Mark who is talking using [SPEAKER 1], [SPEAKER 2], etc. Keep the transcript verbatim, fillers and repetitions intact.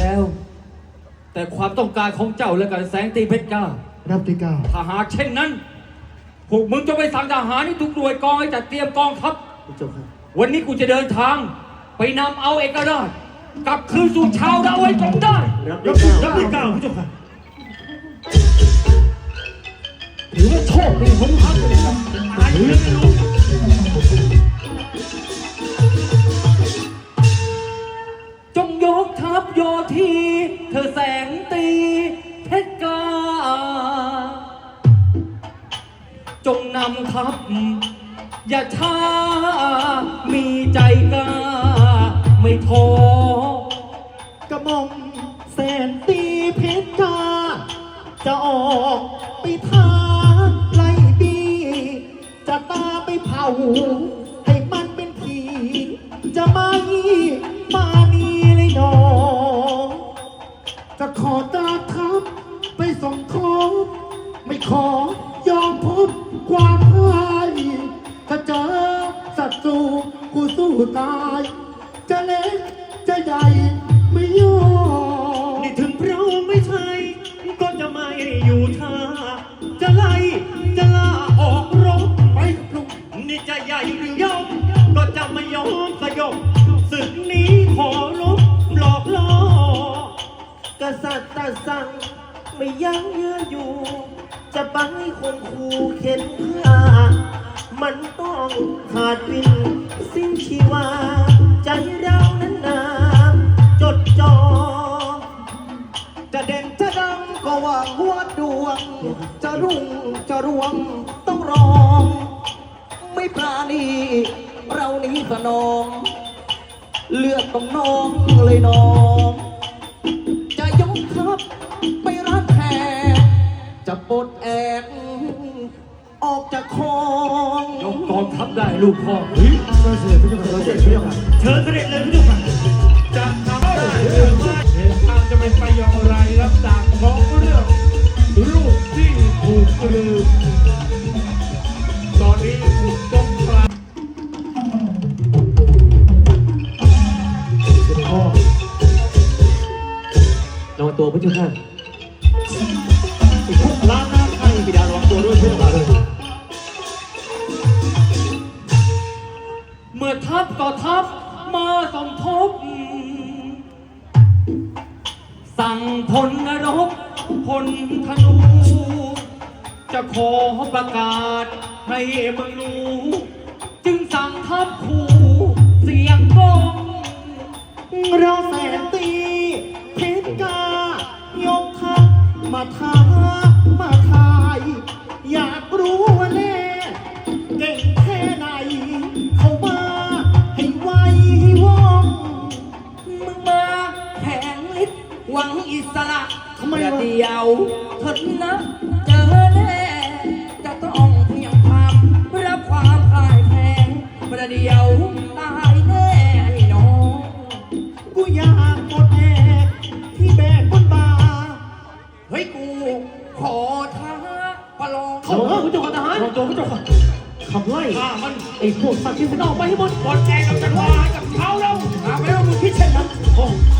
[SPEAKER 1] แล้วแต่ความต้องการของเจ้าและกันแสงตีเพชรกล้า
[SPEAKER 2] รับที่เก้า
[SPEAKER 1] ถ้าหากเช่นนั้นพวกมึงจะไปสั่งทหารที่ทุกหน่วยกองให้จัดเตรียมกองทัพวันนี้กูจะเดินทางไปนำเอาเอกราชกลับคืนสู่ชาวดาวไว้จงได้
[SPEAKER 2] รับที่เก้าพระเจ้าค่ะถือว่าโชคดีของทัพเลยครับตายเลยไม่รู้
[SPEAKER 1] จงยกทัพโยธีเธอแสงตีเพชรกล้าจงนำทัพอย่าช้ามีใจกล้าไม่ท้อก
[SPEAKER 2] ระหม่อมแสนตีเพชรกล้าจะออกไปท้าไล่บีจะตาไปเผาให้มันเป็นผีจะไม่มานีเลยน้องจะขอตาทัพไปส่งทบไม่ขอยอมพบความพ่ายถ้าเจอศัตรูกูสู้ตายจะเล็กจะใหญ่ไม่ยอมนี่ถึงเราไม่ใช่ก็จะไม่อยู่ท่าจะไล่จะลาออกรบไปกับลุงนี่จะใหญ่หรือยอมก็จะไม่ยอมสยบศึกนี้ขอรบหลอกล่อกษัตริย์ตรัสสั่งไม่ยั้งเยื้ออยู่จะไปคนคู่เข็นฆ่ามันต้องขาดวินสิ้นชีวาใจเรานั้นนาจดจ่อจะเด่นจะดังก็ว่าหัวดวงจะรุ่งจะรวงต้องรองไม่ปราณีเรานี้สนองเลือดต้องน้องเลยน้องจะยกทัพไปรัดแห่จะปลดแอกออกจากคลอง
[SPEAKER 1] ยกกองทัพได้ลูกพ่อ
[SPEAKER 2] เฮ้ยเสด็จพระเจ้าค่ะเสด็จพระเจ้าค่ะเชิญเสด็จเลยพระเจ้าค่ะ
[SPEAKER 3] จะทำได้หรือไม่เหตุการณ์จะเป็นไปอย่างไรรับจากของเรื่องรูปที่ถูกลืมตอนนี้ถูกต้องกลาง
[SPEAKER 2] พ่อระวังตัวพระเจ้าค่ะอีกพวกล้านหน้าใครบิดาระวังตัวด้วยพระเจ้าค่ะเลย
[SPEAKER 1] เมื่อทัพต่อทัพมาสมทบสั่งพลนรบพลธนูจะขอประกาศให้มึงรู้จึงสั่งทัพคู่เสียงกอง
[SPEAKER 2] เราแสนตีเพชรกายกทัพมาท้ามาทายอยากรู้ว่าแน่เก่งแค่ไหนเขามาให้ไวให้ว่อง
[SPEAKER 1] มึงมาแข่งฤทธิ์หวังอิสระ
[SPEAKER 2] ทำไมวะ
[SPEAKER 1] เดียวเถิดนะเจอแน่จะต้องเพียงความรับความพ่ายแพ้ประเดียวตายแน่ไอ้น้อง
[SPEAKER 2] กูอยากหมดแอกที่แบกบนบ่า
[SPEAKER 1] เฮ้ยกูขอท้าประลอง
[SPEAKER 2] เขาเออคุณเจ้าทหารตัวคุณเจ้าขับไล่
[SPEAKER 1] ข้ามัน
[SPEAKER 2] ไอ้พวกสัตว์ที่มันออกไปให้หมด
[SPEAKER 1] บอลแกเราจะว่ากับเขาแล้วหาไม่ว่ามึงคิดเช่นนั้น
[SPEAKER 2] โอ้